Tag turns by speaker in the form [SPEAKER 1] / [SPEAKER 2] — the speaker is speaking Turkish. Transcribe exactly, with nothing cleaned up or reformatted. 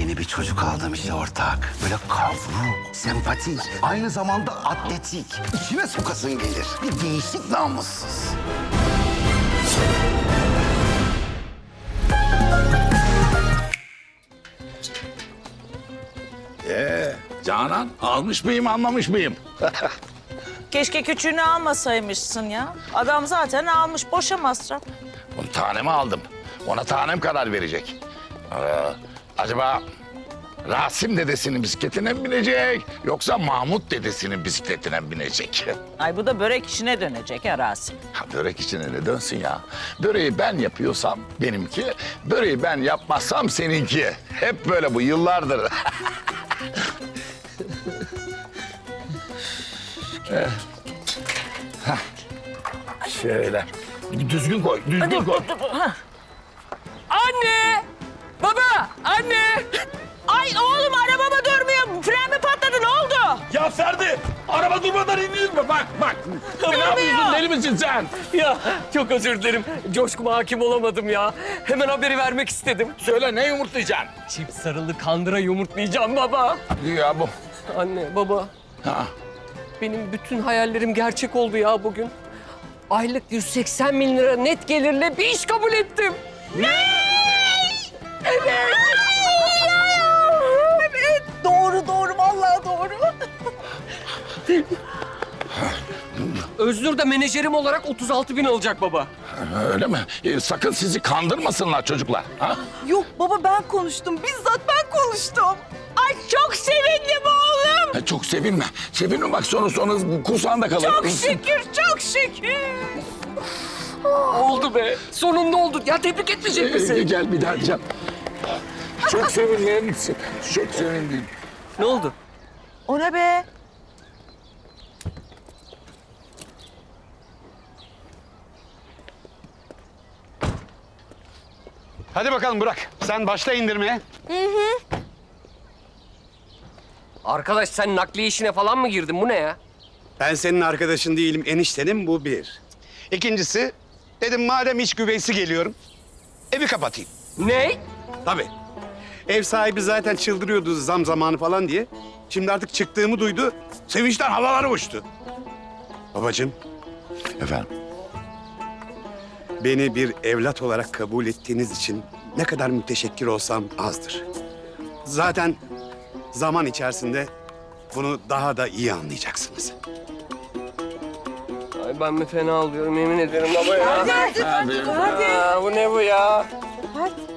[SPEAKER 1] Yeni bir çocuk aldım işte ortak. Böyle kavruk, sempatik, aynı zamanda atletik. İçine sokasın gelir. Bir değişik namussuz.
[SPEAKER 2] Ee, Canan almış mıyım anlamış mıyım?
[SPEAKER 3] Keşke küçüğünü almasaymışsın ya. Adam zaten almış, boşa masraf.
[SPEAKER 2] Onu tanemi aldım. Ona tanem karar verecek. Ee, acaba Rasim dedesinin bisikletine mi binecek yoksa Mahmut dedesinin bisikletine mi binecek?
[SPEAKER 3] Ay bu da börek işine dönecek ha Rasim.
[SPEAKER 2] Ha, börek içine ne dönsün ya? Böreği ben yapıyorsam benimki, böreği ben yapmazsam seninki. Hep böyle bu yıllardır. Eh. Hah. Şöyle. Düzgün koy, düzgün koy.
[SPEAKER 4] Anne! Baba! Anne!
[SPEAKER 3] Ay oğlum arabama durmuyor. Fren mi patladı, ne oldu?
[SPEAKER 2] Ya Ferdi, araba durmadan iniyor mu? Bak, bak. Ne yapıyorsun, deli misin sen?
[SPEAKER 4] Ya çok özür dilerim. Coşkuma hakim olamadım ya. Hemen haberi vermek istedim.
[SPEAKER 2] Söyle, ne yumurtlayacaksın?
[SPEAKER 4] Çift sarılı kandıra yumurtlayacağım baba.
[SPEAKER 2] Ya bu.
[SPEAKER 4] Anne, baba.
[SPEAKER 2] Ha.
[SPEAKER 4] Benim bütün hayallerim gerçek oldu ya bugün. Aylık yüz seksen bin lira net gelirle bir iş kabul ettim.
[SPEAKER 3] Evet doğru doğru vallahi doğru.
[SPEAKER 4] Öznur da menajerim olarak otuz altı bin alacak baba.
[SPEAKER 2] Öyle mi? Ee, sakın sizi kandırmasınlar çocuklar. Ha?
[SPEAKER 5] Yok baba ben konuştum. Bizzat ben konuştum.
[SPEAKER 3] Ay çok sevindim oğlum.
[SPEAKER 2] Ha, çok sevinme. Sevinme bak sonra sonra kursağında kalır.
[SPEAKER 3] Çok şükür, çok şükür.
[SPEAKER 4] Oldu be. Sonunda oldu. Ya tebrik etmeyecek
[SPEAKER 2] Ee,
[SPEAKER 4] misin?
[SPEAKER 2] gel bir daha diyeceğim. Çok sevindim. Çok sevindim.
[SPEAKER 4] Ne oldu?
[SPEAKER 3] O ne be?
[SPEAKER 6] Hadi bakalım Burak. Sen başla indirmeye.
[SPEAKER 4] Arkadaş sen nakliye işine falan mı girdin? Bu ne ya?
[SPEAKER 6] Ben senin arkadaşın değilim, eniştenim bu bir. İkincisi, dedim madem iç güveysi geliyorum, evi kapatayım.
[SPEAKER 4] Ne?
[SPEAKER 6] Tabii. Ev sahibi zaten çıldırıyordu zam zamanı falan diye. Şimdi artık çıktığımı duydu, sevinçten havalara uçtu. Babacığım,
[SPEAKER 2] Efendim?
[SPEAKER 6] beni bir evlat olarak kabul ettiğiniz için ne kadar müteşekkir olsam azdır. Zaten zaman içerisinde bunu daha da iyi anlayacaksınız.
[SPEAKER 4] Ay ben mi fena alıyorum yemin ederim baba ya.
[SPEAKER 2] Hadi.
[SPEAKER 4] Aa, bu ne bu ya?
[SPEAKER 5] Hadi.